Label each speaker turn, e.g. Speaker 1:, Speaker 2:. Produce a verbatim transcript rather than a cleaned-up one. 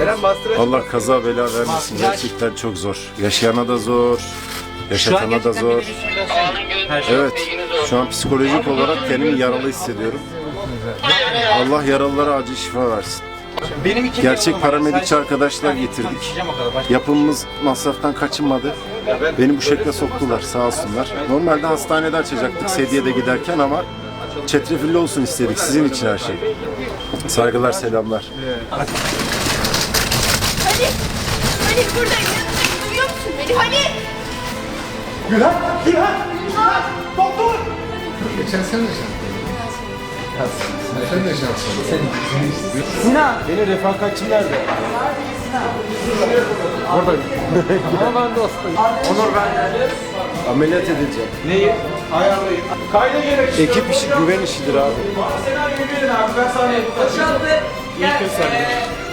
Speaker 1: Allah kaza bela vermesin. Gerçekten çok zor. Yaşayana da zor. Yaşatana da zor. Evet. Şu an psikolojik olarak kendimi yaralı hissediyorum. Allah yaralılara acil şifa versin. Gerçek paramedikçi arkadaşlar getirdik. Yapımımız masraftan kaçınmadı. Beni bu şekle soktular sağ olsunlar. Normalde hastanede açacaktık Sedye'de giderken ama çetrefilli olsun istedik. Sizin için her şey. Saygılar, selamlar.
Speaker 2: Halil! Halil buradayım. Yanındayım. Duyuyor musun beni? Halil!
Speaker 3: Gülhan! Gülhan! Gülhan! Doktor!
Speaker 4: Geçen sene de şanslı. Sen de şanslı.
Speaker 3: Sinan! Benim refakatçim nerede?
Speaker 4: Oradayım. Ama ben de hastayım.
Speaker 3: Onur ben. Ameliyat edileceğim. Neyi? Ayarlayın. Kayda gerek. Ekip işi güven işidir abi. Senaryoyu verin abi. Ben sana yapacağım.
Speaker 2: Boşaldı. Gel.